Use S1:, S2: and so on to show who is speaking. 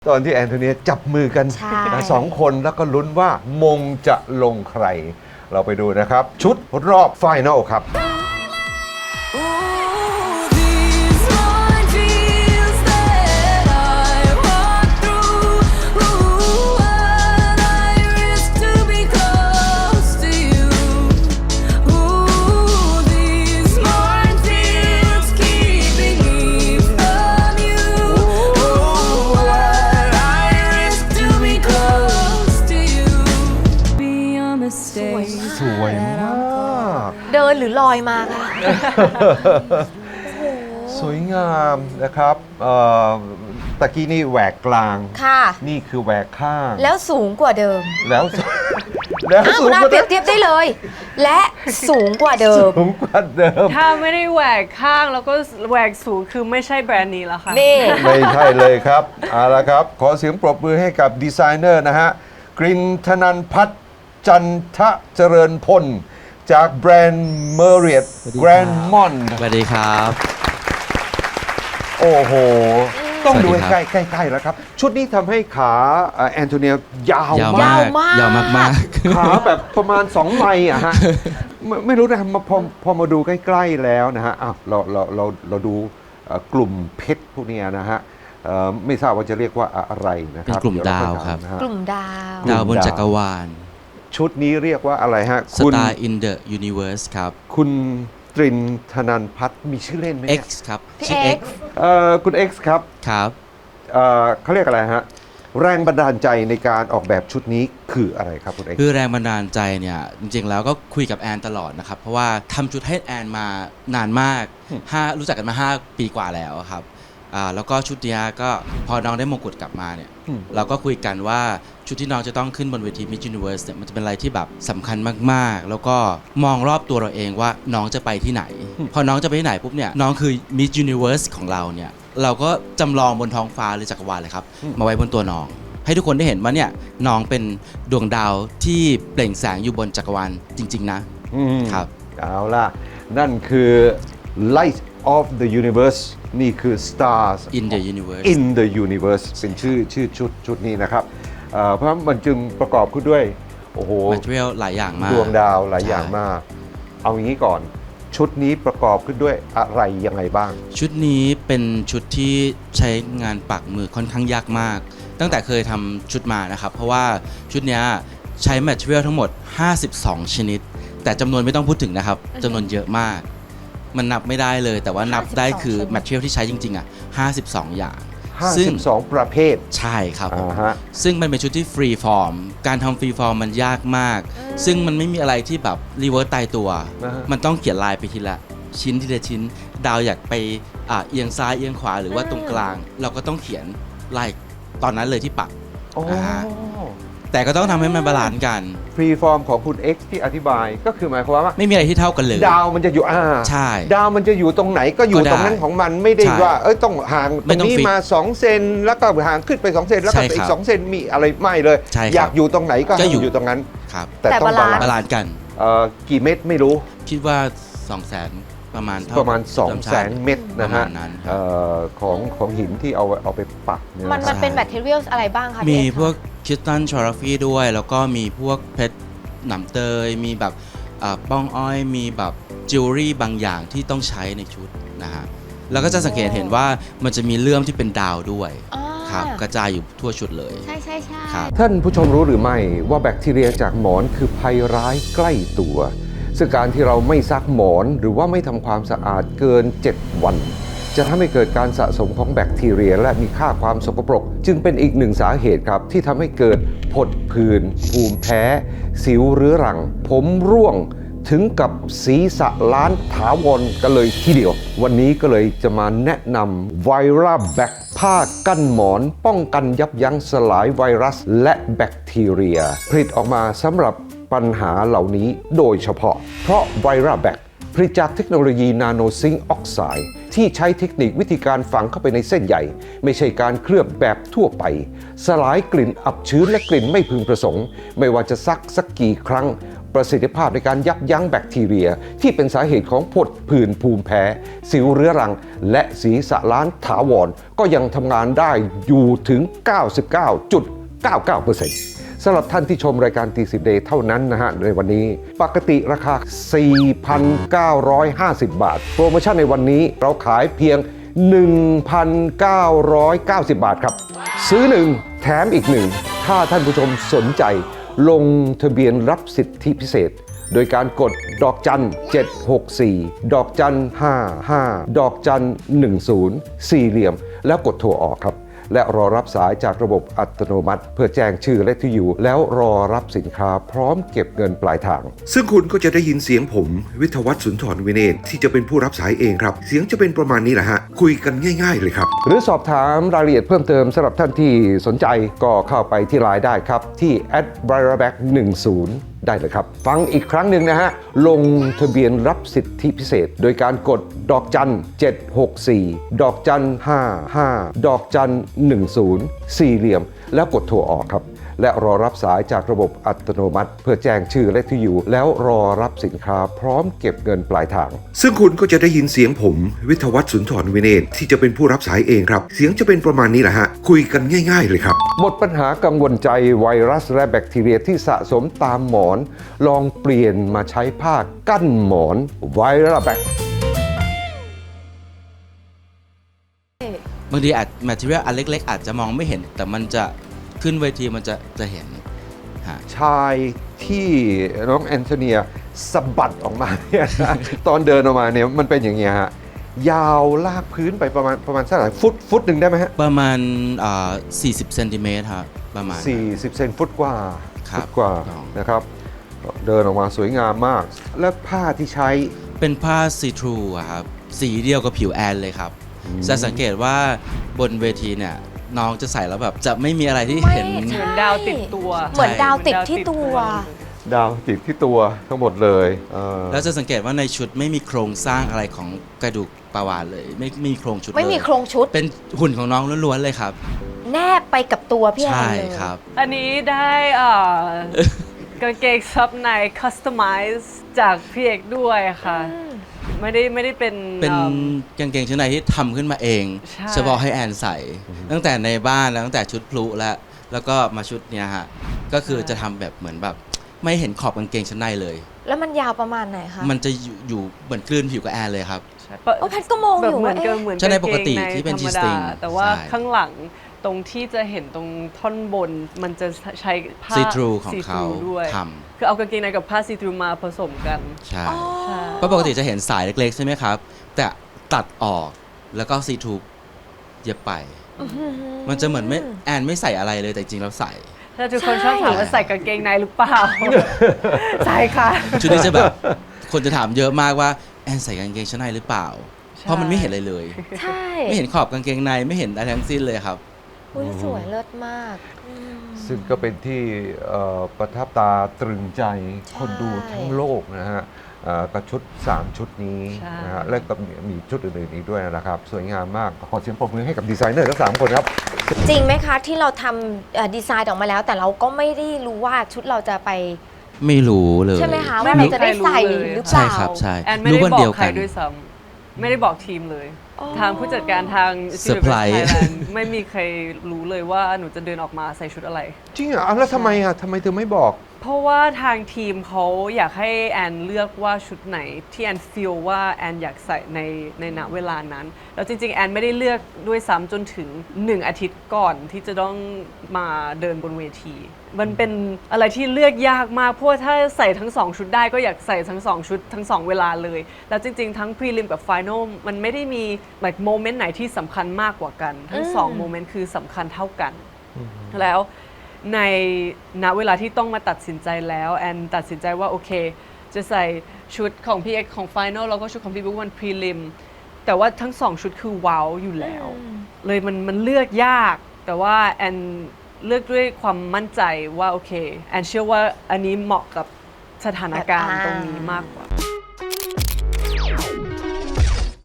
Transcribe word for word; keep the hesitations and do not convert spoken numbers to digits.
S1: ตอนที่แอนโทเนียจับมือกันสองคนแล้วก็ลุ้นว่ามงจะลงใครเราไปดูนะครับชุดรอบไฟนอลครับสวยมาก
S2: เดินหรือลอยมาคะ
S1: สวยงามนะครับตะกี้นี่แหวกกลาง
S2: ค่ะ
S1: นี่คือแหวกข้าง
S2: แล้วสูงกว่าเดิม
S1: แล้วแล้วสูงกว่า
S2: เปรียบเทียบได้เลยและสูงกว่าเดิม
S1: สูงกว่าเดิม
S3: ถ้าไม่ได้แหวกข้างแล้วก็แหวกสูงคือไม่ใช่แบรนด์นี้แล้วค่ะ
S2: นี่
S1: ไม่ใช่เลยครับเอาละครับขอเสียงปรบมือให้กับดีไซเนอร์นะฮะกรินธนันท์พัฒน์จันทเจริญพลจากแบรนด์ Marriott Grand Mont
S4: สวัสดีครับ
S1: โอ้โหต้องดูใกล้ใกล้ๆแล้วครับชุดนี้ทำให้ขาแอนโทเนียยาวย
S4: าวมากยาวมาก
S1: ๆขาแบบประมาณสองไมล์อะฮะไม่ไม่รู้นะพอพอมาดูใกล้ๆแล้วนะฮะอ้าวเราเราเราเราดูกลุ่มเพชรพวกนี้นะฮะไม่ทราบว่าจะเรียกว่าอะไรนะครับ
S4: เป็นกลุ่มดาวครับ
S2: กลุ่มดาว
S4: ดาวบนจักรวาล
S1: ชุดนี้เรียกว่าอะไรฮะ
S4: Star in the Universe ครับ
S1: คุณตรินธนันท์พัฒน์มีชื่อเล่นไหม
S4: X ครับ
S2: ชื่อ X
S1: เอ่อคุณ X ครับ
S4: ครับ
S1: เอ่อเขาเรียกอะไรฮะแรงบันดาลใจในการออกแบบชุดนี้คืออะไรครับคุณ X
S4: คือแรงบันดาลใจเนี่ยจริงๆแล้วก็คุยกับแอนตลอดนะครับเพราะว่าทำชุดให้แอนมานานมากห้ารู้จักกันมาห้าปีกว่าแล้วครับอ่าแล้วก็ชุดนี้ก็พอน้องได้มงกุฎกลับมาเนี่ยเราก็คุยกันว่าชุดที่น้องจะต้องขึ้นบนเวที Miss Universe เนี่ยมันจะเป็นอะไรที่แบบสำคัญมากๆแล้วก็มองรอบตัวเราเองว่าน้องจะไปที่ไหนพอน้องจะไปที่ไหนปุ๊บเนี่ยน้องคือ Miss Universe ของเราเนี่ยเราก็จำลองบนท้องฟ้าหรือจักรวาลเลยครับมาไว้บนตัวน้องให้ทุกคนได้เห็นว่าเนี่ยน้องเป็นดวงดาวที่เปล่งแสงอยู่บนจักรวาลจริงๆนะครับ
S1: เอาล่ะนั่นคือ Light of the Universe นี่คือ Stars
S4: in the Universe
S1: in the Universe เป็นชื่อชื่อชุดชุดนี้นะครับเพราะมันจึงประกอบขึ้นด้วยโอ้โห
S4: material หลายอย่างมาก
S1: ดวงดาวหลายอย่างมากเอาอย่างนี้ก่อนชุดนี้ประกอบขึ้นด้วยอะไรยังไงบ้าง
S4: ชุดนี้เป็นชุดที่ใช้งานปักมือค่อนข้างยากมากตั้งแต่เคยทำชุดมานะครับเพราะว่าชุดนี้ใช้ material ทั้งหมดห้าสิบสองชนิดแต่จำนวนไม่ต้องพูดถึงนะครับจำนวนเยอะมากมันนับไม่ได้เลยแต่ว่านับได้คือ material ที่ใช้จริงๆอ่ะห้าสิบสองอย่าง
S1: ห้าสิบสองประเภท
S4: ใช่ครับ
S1: uh-huh.
S4: ซึ่งมันเป็นชุดที่ฟรีฟอร์มการทำฟรีฟอร์มมันยากมากซึ่งมันไม่มีอะไรที่แบบรีเวิร์สตายตัว uh-huh. มันต้องเขียนลายไปทีละชิ้นทีละชิ้นดาวอยากไปอ่ะเอียงซ้ายเอียงขวาหรือว่าตรงกลางเราก็ต้องเขียนลายตอนนั้นเลยที่ปัก
S1: oh.
S4: แต่ก็ต้องทำให้มันบาลานซ์กัน
S1: ฟรีฟอร์มของคุณ X ที่อธิบายก็คือหมายความว่า
S4: ไม่มีอะไรที่เท่ากันเลย
S1: ดาวมันจะอยู่อ่า
S4: ใช่
S1: ดาวมันจะอยู่ตรงไหนก็อยู่ตรงนั้นของมันไม่ได้ว่าเอ้ยต้องห่างตรงนี้มาสองเซนแล้วก็ห่างขึ้นไปสองเซนแล้วก็อีกสองเซนมีอะไรไม่เลยอยากอยู่ตรงไหนก็อยู่ตรงนั้น
S4: แต่
S1: ต้องบาลาน
S4: ซ์กัน
S1: เอ่อกี่เม็ดไม่รู้
S4: คิดว่า สองแสน ประมาณ
S1: ประมาณ สองแสน เม็ดนะฮะของของหินที่เอาเอาไปปักเนี่ย
S2: มันมันเป็นแบคทีเรียลอะไรบ้างคะ
S4: มีพวกคริสตัลชอราฟีด้วยแล้วก็มีพวกเพชรหนำเตยมีแบบป้องอ้อยมีแบบจิวเวลรี่บางอย่างที่ต้องใช้ในชุดนะฮะแล้วก็จะสังเกตเห็นว่ามันจะมีเลื่อมที่เป็นดาวด้วยครับกระจายอยู่ทั่วชุดเลย
S2: ใช่ใช่ใช่
S1: ท่านผู้ชมรู้หรือไม่ว่าแบคทีเรียจากหมอนคือภัยร้ายใกล้ตัวซึ่งการที่เราไม่ซักหมอนหรือว่าไม่ทำความสะอาดเกินเจ็ดวันจะทำให้เกิดการสะสมของแบคทีเรียและมีค่าความสกปรกจึงเป็นอีกหนึ่งสาเหตุครับที่ทำให้เกิดผดผื่นภูมิแพ้สิวเรื้อรังผมร่วงถึงกับศีรษะล้านถาวรกันเลยทีเดียววันนี้ก็เลยจะมาแนะนำไวรัสแบคผ้ากั้นหมอนป้องกันยับยั้งสลายไวรัสและแบคทีเรียผลิตออกมาสำหรับปัญหาเหล่านี้โดยเฉพาะเพราะไวรัสแบคผลิตจากเทคโนโลยีนาโนซิงค์ออกไซด์ที่ใช้เทคนิควิธีการฝังเข้าไปในเส้นใยไม่ใช่การเคลือบแบบทั่วไปสลายกลิ่นอับชื้นและกลิ่นไม่พึงประสงค์ไม่ว่าจะซักสักกี่ครั้งประสิทธิภาพในการยับยั้งแบคทีเรียที่เป็นสาเหตุของผดผื่นภูมิแพ้ สิวเรื้อรัง และศีรษะล้านถาวรก็ยังทำงานได้อยู่ถึง เก้าสิบเก้าจุดเก้าเก้าเปอร์เซ็นต์ สำหรับท่านที่ชมรายการตีสิบ Day เท่านั้นนะฮะในวันนี้ปกติราคา สี่พันเก้าร้อยห้าสิบ บาท โปรโมชั่นในวันนี้เราขายเพียง หนึ่งพันเก้าร้อยเก้าสิบ บาทครับ ซื้อหนึ่งแถมอีกหนึ่งถ้าท่านผู้ชมสนใจลงทะเบียนรับสิทธิพิเศษ โดยการกดดอกจันเจ็ดหกสี่ดอกจันห้าห้าดอกจันหนึ่งศูนย์สี่เหลี่ยมแล้วกดโทรออกครับและรอรับสายจากระบบอัตโนมัติ เพื่อแจ้งชื่อและที่อยู่แล้วรอรับสินค้าพร้อมเก็บเงินปลายทางซึ่งคุณก็จะได้ยินเสียงผมวิทยวัฒน์สุนทรวินเนศที่จะเป็นผู้รับสายเองครับเสียงจะเป็นประมาณนี้แหละฮะคุยกันง่ายๆเลยครับหรือสอบถามรายละเอียดเพิ่มเติมสำหรับท่านที่สนใจก็เข้าไปที่ไลน์ได้ครับที่แอด บรา แบ็ก หนึ่งศูนย์ได้เลยครับฟังอีกครั้งหนึ่งนะฮะลงทะเบียนรับสิทธิพิเศษ โดยการกดดอกจันเจ็ดหกสี่ดอกจันห้าห้าดอกจันหนึ่งศูนย์สี่เหลี่ยมแล้วกดโทรออกครับและรอรับสายจากระบบอัตโนมัติ เพื่อแจ้งชื่อและที่อยู่แล้วรอรับสินค้าพร้อมเก็บเงินปลายทางซึ่งคุณก็จะได้ยินเสียงผมวิทยวัฒน์สุนทรวินเนศที่จะเป็นผู้รับสายเองครับเสียงจะเป็นประมาณนี้แหละฮะคุยกันง่ายๆเลยครับหมดปัญหากังวลใจไวรัสและแบคทีเรียที่สะสมตามหมอนลองเปลี่ยนมาใช้ผ้ากั้นหมอนไวรัสแบค
S4: บางทีอาจแมททีเรียลอันเล็กๆอาจจะมองไม่เห็นแต่มันจะขึ้นเวทีมันจะจะเห็น
S1: ชายที่น้องแอนโทเนียสะบัดออกมาเนี่ยนะตอนเดินออกมาเนี่ยมันเป็นอย่างเงี้ยฮะยาวลากพื้นไปประมาณประมาณสักเท่าไหร่ฟุตฟุตหนึ่งได้ไหมฮะ
S4: ประมาณอ่าสี่สิบเซนติเมตรครับประมาณ
S1: สี่สิบเซนฟุตกว่าฟุตกว่านะครับเดินออกมาสวยงามมากแล้วผ้าที่ใช้
S4: เป็นผ้าซีทรูครับสีเดียวกับผิวแอนเลยครับจะสังเกตว่าบนเวทีเนี่ยน้องจะใส่แล้วแบบจะไม่มีอะไรที่เห็น
S3: เหมือนดาวติดตัว
S2: เหมือนดาวติดที่ตัว
S1: ดาวติดที่ตัวทั้งหมดเลย
S4: แล้วจะสังเกตว่าในชุดไม่มีโครงสร้างอะไรของกระดูกปลาวาฬเลยไม่มีโครงชุด
S2: ไม่มีโครงชุด
S4: เป็นหุ่นของน้องล้วนๆเลยครับ
S2: แนบไปกับตัวพี่แอนเลย
S4: ใช่ครับ
S3: อันนี้ได้กางเกงซับในคัสตอมไมซ์จากพี่เอกด้วยค่ะไม่ได้ไม่ได้เป็น
S4: เป็นกางเกงชั้นในที่ทำขึ้นมาเองเฉพาะให้แอนใส่ตั้งแต่ในบ้านแล้วตั้งแต่ชุดพลุแล้วแล้วก็มาชุดเนี้ยฮะก็คือจะทำแบบเหมือนแบบไม่เห็นขอบกางเกงชั้นในเลย
S2: แล้วมันยาวประมาณไหนคะ
S4: มันจะอยู่อยู่เหมือนคลื่นผิวกับแอนเลยครับ
S2: โอ้แพทก็มองอยู่
S3: เหมือนเหมือน
S4: ชั้นในปกติที่เป็นจีสติง
S3: แต่ว่าข้างหลังตรงที่จะเห็นตรงท่อนบนมันจะใช้ผ้า
S4: ซีทรูของเขาท
S3: ำคือเอากางเกงในกับผ้าซีทรูมาผสมกัน
S4: ใช่เพราะปกติจะเห็นสายเล็กๆใช่ไหมครับแต่ตัดออกแล้วก็ซีทรูเย็บไปมันจะเหมือนไม่แอนไม่ใส่อะไรเลยแต่จริงแล้วใส่
S3: ถ้าทุกคนชอบถามว่าใส่กางเกงในหรือเปล่าใช่ค่ะ
S4: ชุดนี้จะแบบคนจะถามเยอะมากว่าแอนใส่กางเกงชั้นในหรือเปล่าเพราะมันไม่เห็นอะไรเลย
S2: ใช่
S4: ไม่เห็นขอบกางเกงในไม่เห็นอะไรทั้งสิ้นเลยครับ
S2: อุ้ยสวยเลิศมาก
S1: ซึ่งก็เป็นที่ประทับตาตรึงใจคนดูทั้งโลกนะฮะกับชุดสามชุดนี้นะฮะและก็มีชุดอื่นๆอีกด้วยนะครับสวยงามมากขอเสียงปรบมือให้กับดีไซเนอร์ทั้งสามคนครับ
S2: จริงไหมคะที่เราทำดีไซน์ออกมาแล้วแต่เราก็ไม่ได้รู้ว่าชุดเราจะไป
S4: ไม่รู้เลย
S2: ใช่ไหมคะว่าเราจะได้ใส่หรือเปล่า
S4: ใช่ครับใช่
S3: แอนไม่ได้บอกใครด้วยซ้ำไม่ได้บอกทีมเลยทางผู้จัดการทาง
S4: เซอร์ไพรส์
S3: ไม่มีใครรู้เลยว่าหนูจะเดินออกมาใส่ชุดอะไร
S1: จริงเหรอแล้วทำไมอ่ะทำไมเธอไม่บอก
S3: เพราะว่าทางทีมเขาอยากให้แอนเลือกว่าชุดไหนที่แอนฟีลว่าแอนอยากใส่ในในณเวลานั้นแล้วจริงๆแอนไม่ได้เลือกด้วยซ้ำจนถึงหนึ่งอาทิตย์ก่อนที่จะต้องมาเดินบนเวทีมันเป็นอะไรที่เลือกยากมากเพราะว่าถ้าใส่ทั้งสองชุดได้ก็อยากใส่ทั้งสองชุดทั้งสองเวลาเลยแล้วจริงๆทั้งพรีลิมกับไฟนอลมันไม่ได้มีแบบโมเมนต์ไหนที่สำคัญมากกว่ากันทั้งสองโมเมนต์คือสำคัญเท่ากันแล้วในณเวลาที่ต้องมาตัดสินใจแล้วแอนตัดสินใจว่าโอเคจะใส่ชุดของพี่เอ็กของไฟนอลแล้วก็ชุดของพี่บุ๊กวันพรีลิมแต่ว่าทั้งสองชุดคือว้าวอยู่แล้วเลยมันมันเลือกยากแต่ว่าแอนเลือกด้วยความมั่นใจว่าโอเคแอนเชื่อว่าอันนี้เหมาะกับสถานการณ์ตรงนี้มากกว่า